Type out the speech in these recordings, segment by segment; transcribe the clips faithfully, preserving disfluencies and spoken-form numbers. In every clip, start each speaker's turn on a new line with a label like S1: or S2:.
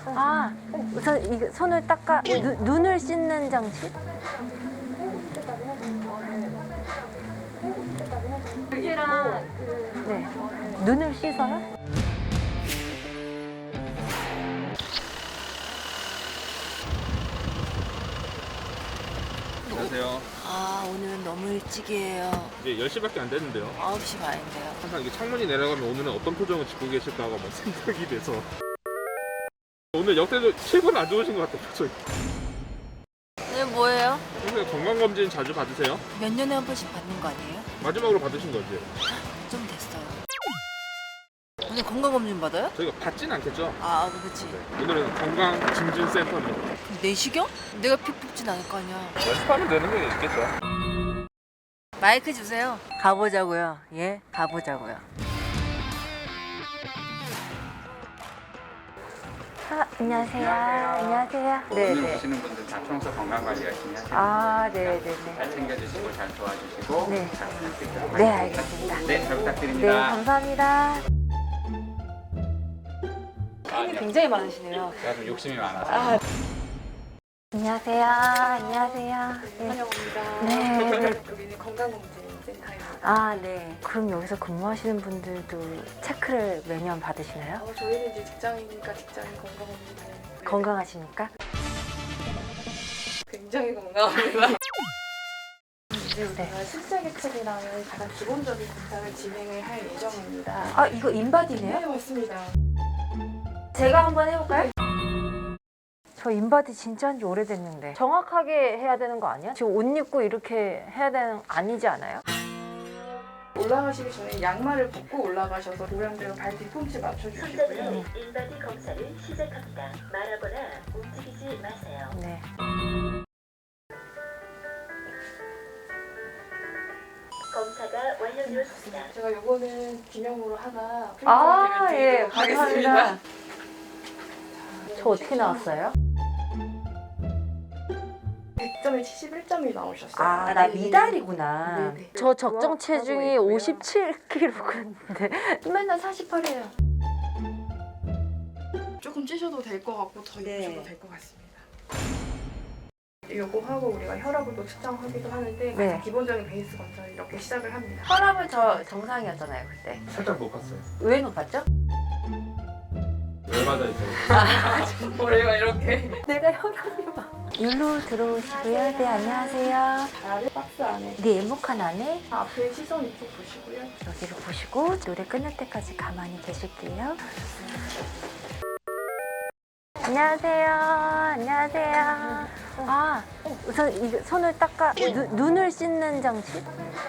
S1: 아, 우선 이 손을 닦아 누, 눈을 씻는 장치?
S2: 여기랑
S1: 네. 눈을 씻어요?
S3: 안녕하세요.
S4: 아, 오늘은 너무 일찍이에요.
S3: 이제 열 시밖에 안 됐는데요.
S4: 아홉 시 반인데요.
S3: 항상 이게 창문이 내려가면 오늘은 어떤 표정을 짓고 계실까가 막 생각이 돼서 오늘 역대로 최고로 안 좋으신 것 같아요, 표정이.
S4: 오늘 뭐예요?
S3: 평소에 건강검진 자주 받으세요?
S4: 몇 년에 한 번씩 받는 거 아니에요?
S3: 마지막으로 받으신 거지?
S4: 좀 됐어요. 오늘 건강검진 받아요?
S3: 저희가 받진 않겠죠?
S4: 아, 그렇지.
S3: 네. 오늘은 건강증진센터입니다.
S4: 그럼 내시경? 내가 피 뽑진 않을 거 아니야.
S3: 연습하면 되는 게 있겠죠?
S4: 마이크 주세요.
S1: 가보자고요. 예, 가보자고요. 아, 안녕하세요. 안녕하세요. 네,
S5: 오늘
S1: 네.
S5: 오시는 분들 다 평소 건강 관리 열심히 하시고
S1: 아, 네, 네, 네.
S5: 잘 챙겨주시고 잘 도와주시고
S1: 네.
S5: 잘 부탁드립니다.
S1: 네, 알겠습니다.
S5: 네, 잘
S1: 네,
S5: 부탁드립니다.
S1: 감사합니다.
S4: 팬이 굉장히 많으시네요.
S5: 제가 좀 욕심이 많아서
S1: 안녕하세요. 안녕하세요. 네.
S2: 환영합니다.
S1: 네.
S2: 여기는 건강검진센터입니다.
S1: 아, 네. 그럼 여기서 근무하시는 분들도 체크를 매년 받으시나요?
S2: 어, 저희는 이제 직장이니까 직장인 건강검진을
S1: 건강하십니까?
S2: 굉장히 건강합니다. 이제
S1: 네.
S2: 우리가 실세계책이랑 가장 기본적인 검사를 진행을 할 예정입니다.
S1: 아, 이거 인바디네요?
S2: 네, 맞습니다.
S1: 제가 한번 해볼까요? 저 인바디 진짜 한지 오래됐는데 정확하게 해야 되는 거 아니야? 지금 옷 입고 이렇게 해야 되는 거 아니지 않아요?
S2: 올라가시기 전에 양말을 벗고 올라가셔서 모양대로 발 뒤꿈치 맞춰주시고요.
S6: 인바디 검사를 시작합니다. 말하거나 움직이지 마세요.
S1: 네.
S6: 검사가 완료되었습니다.
S2: 제가 요거는 기념으로 하나
S1: 아,
S2: 프린트를
S1: 예,
S2: 드리도록 하겠습니다.
S1: 감사합니다. 저 어떻게 나왔어요?
S2: 백 점에 칠십일 점이 나오셨어요.
S1: 아, 나 미달이구나.
S2: 네네.
S1: 저 적정 체중이
S2: 하고 있고요.
S1: 오십칠 킬로그램인데 맨날 사십팔이에요.
S2: 조금 찌셔도 될 것 같고 더
S1: 네.
S2: 입으셔도 될 것 같습니다. 요거 하고 우리가 혈압을 또 측정하기도 하는데
S1: 네.
S2: 가장 기본적인 베이스 검사를 이렇게 시작을 합니다.
S1: 혈압은 저 정상이었잖아요, 그때.
S3: 살짝 높았어요.
S1: 왜 높았죠?
S3: 열받아 있어요.
S2: 머리가 이렇게
S1: 내가 혈압이 막. 일로 들어오시고요. 네, 안녕하세요.
S2: 다리 박스 안에
S1: 네, 에모칸 안에
S2: 앞에 시선 이쪽 보시고요.
S1: 여기를 보시고 노래 끝날 때까지 가만히 계실게요. 안녕하세요. 안녕하세요. 아, 우선 이 손을 닦아 누, 눈을 씻는 장치?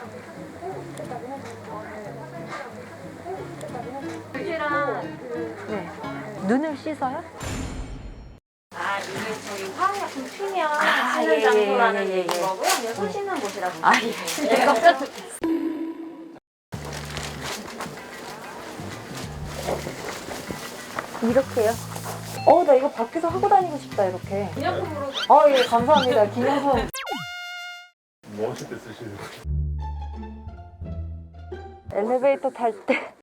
S2: 여기랑
S1: 네. 눈을 씻어요?
S2: 아 이게 저기 화학약품 피면
S1: 아,
S2: 쓰는
S1: 예, 예,
S2: 장소라는
S1: 예, 예, 예.
S2: 거고요. 그냥 손 씻는 곳이라고.
S1: 아,
S2: 보시면
S1: 예.
S2: 돼요.
S1: 깜짝 놀랐어요. 이렇게요? 어, 나 이거 밖에서 하고 다니고 싶다, 이렇게.
S2: 기념품으로
S1: 아, 예, 감사합니다. 기념품.
S3: 뭐 하실 때 쓰시는 거예요?
S1: 엘리베이터 탈 때.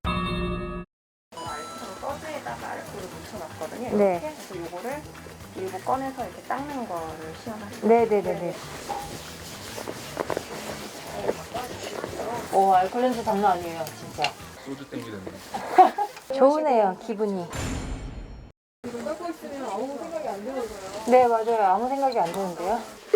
S2: 서스에다가 알코올을 묻혀놨거든요.
S1: 네.
S2: 이렇게 해서 요거를 일부 꺼내서 이렇게 닦는 거를 시연하시면
S1: 네네네네. 오, 알콜 냄새 장난 아니에요, 진짜.
S3: 소주 땡기는데.
S1: 좋으네요, 기분이.
S2: 이거 닦고 있으면 아무 생각이 안 들어서요.
S1: 네, 맞아요. 아무 생각이 안 드는데요.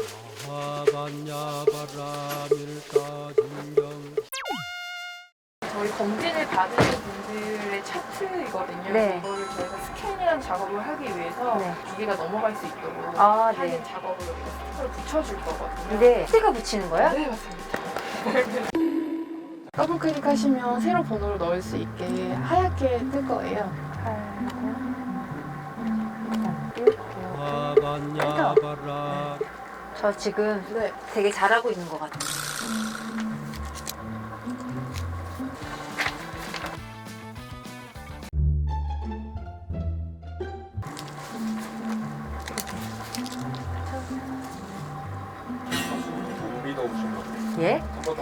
S2: 저희 검진을 받으신 분들의 차트이거든요.
S1: 네.
S2: 이거를 저희가 스캔이라는 작업을 하기 위해서
S1: 네.
S2: 기계가 넘어갈 수 있도록
S1: 아,
S2: 하는
S1: 네.
S2: 작업을 여기다 스티커를 붙여줄 거거든요.
S1: 네. 스티커 붙이는 거요?
S2: 네, 맞습니다. 더블 클릭하시면 새로 번호를 넣을 수 있게 하얗게 뜰 거예요.
S1: 저 지금
S2: 네.
S1: 되게 잘하고 있는 것 같아요.
S3: 몸이 너무 심한 거.
S1: 예?
S3: 한 번 더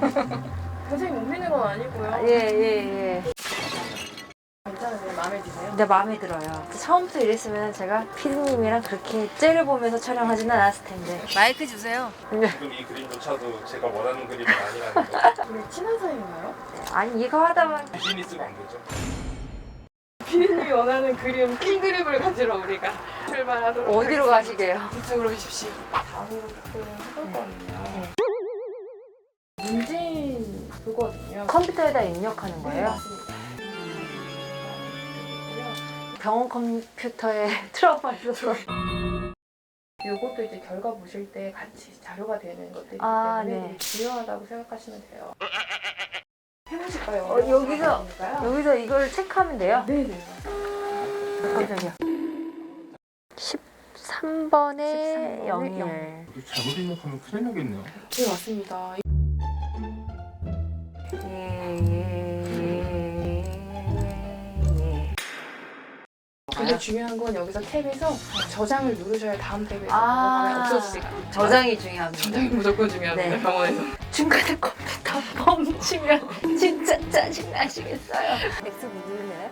S3: 확인하시면.
S2: 선생님 못 믿는 건 아니고요.
S1: 예, 예, 예.
S2: 괜찮으세요? 마음에 드세요?
S1: 근데 마음에 들어요. 처음부터 이랬으면 제가 피디님이랑 그렇게 째를 보면서 촬영하지는 않았을 텐데.
S4: 마이크 주세요.
S3: 지금 이 그림조차도 제가 원하는 그림은 아니라는 거.
S2: 우리 친한 사이인가요?
S1: 아니 이거 하다 보면
S3: 비즈니스가 안 되죠.
S2: 피디님이 원하는 그림, 큰 그림을 가지러 우리가 출발하도록
S1: 어디로 가시게요?
S2: 이쪽으로 오십시오. 다음으로 해볼 거거든요. 문진 그거든요.
S1: 컴퓨터에다 입력하는 거예요?
S2: 맞습니다.
S1: 병원 컴퓨터에 트라우마 있어서.
S2: 이것도 이제 결과 보실 때 같이 자료가 되는 것들이기
S1: 아,
S2: 때문에
S1: 네.
S2: 되게 중요하다고 생각하시면 돼요. 해보실까요?
S1: 어, 여기서-
S2: 어려울까요?
S1: 여기서 이걸 체크하면 돼요?
S2: 네네.
S1: 깜짝이야. 십삼 번에
S2: 십삼 번에
S1: 영일.
S3: 잘못 입력하면 큰일 나겠네요.
S2: 네 맞습니다.
S1: 예, 예, 예, 예, 예.
S2: 근데 중요한 건 여기서 탭에서 저장을 누르셔야 다음 탭에
S1: 아.
S2: 넘어가면 없어지지가 않아요.
S1: 저장이 중요합니다.
S2: 저장이 무조건 중요합니다.
S1: 네.
S2: 병원에서.
S1: 중간에 컴퓨터 멈추면 진짜 짜증나시겠어요. X 누르네요.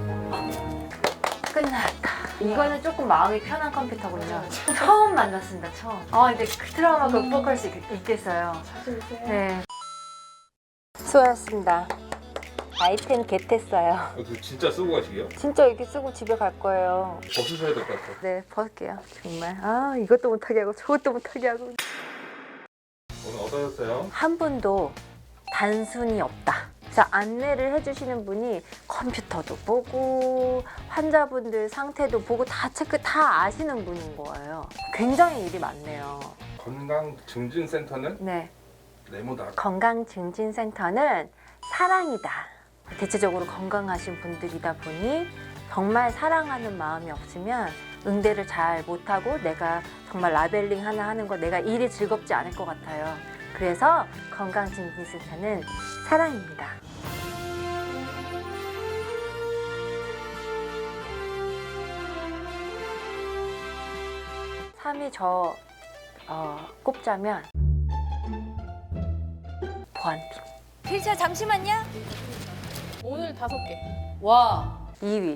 S1: 끝났다. 이거는 조금 마음이 편한 컴퓨터군요. 처음 만났습니다, 처음. 아, 근데 그 트라우마 극복할 수 있, 있겠어요.
S2: 사실 이제
S1: 네. 수고하셨습니다. 아이템 겟했어요.
S3: 그 진짜 쓰고 가시게요?
S1: 진짜 이렇게 쓰고 집에 갈 거예요.
S3: 벗으셔야 될 것 같아요.
S1: 네, 벗을게요. 정말. 아, 이것도 못하게 하고 저것도 못하게 하고.
S3: 오늘 어떠셨어요?
S1: 한 분도 단순히 없다. 자, 안내를 해주시는 분이 컴퓨터도 보고 환자분들 상태도 보고 다 체크 다 아시는 분인 거예요. 굉장히 일이 많네요.
S3: 건강증진센터는
S1: 네,
S3: 네모다.
S1: 건강증진센터는 사랑이다. 대체적으로 건강하신 분들이다 보니 정말 사랑하는 마음이 없으면 응대를 잘 못하고 내가 정말 라벨링 하나 하는 거 내가 일이 즐겁지 않을 것 같아요. 그래서 건강증진센터는 사랑입니다. 삼 위 저 어, 꼽자면 보안팀.
S4: 필차 잠시만요.
S2: 오늘 다섯 개.
S4: 와.
S1: 이 위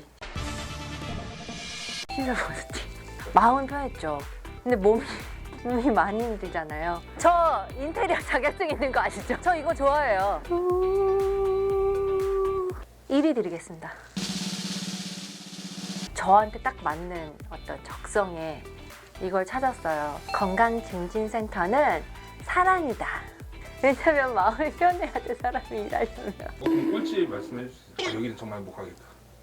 S1: 시설보수팀. 마음은 편했죠. 근데 몸이 몸이 많이 힘들잖아요. 저 인테리어 자격증 있는 거 아시죠? 저 이거 좋아해요. 일 위 드리겠습니다. 저한테 딱 맞는 어떤 적성에 이걸 찾았어요. 건강증진센터는 사랑이다. 왜냐면 마음이 편해야 돼, 사람이 일하려면.
S3: 어, 그럼 꿀팁 말씀해 주세요. 아, 여기는 정말 행복하겠다.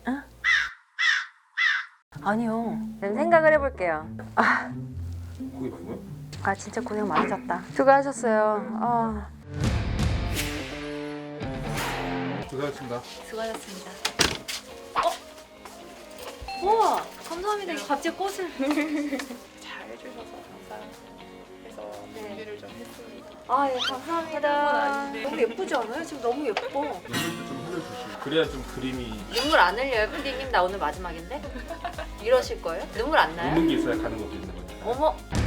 S1: 아니요. 생각을 해볼게요. 아,
S3: 거기 말고요?
S1: 아 진짜 고생 많으셨다. 수고하셨어요. 아.
S3: 고생하셨습니다.
S4: 수고하셨습니다. 어? 우와, 감사합니다. 이거 갑자기 꽃을.
S2: 잘 해주셔서 감사해서
S1: 네.
S2: 준비를 좀 했습니다.
S1: 아, 예, 감사합니다. 너무 예쁘지 않아요? 지금 너무 예뻐.
S3: 눈물도 좀 흘려주시고 그래야 좀 그림이
S1: 눈물 안 흘려요, 피디님? 나 오늘 마지막인데? 이러실 거예요? 눈물 안 나요?
S3: 웃는 게 있어야 가는 것도 있는 거죠.
S1: 어머,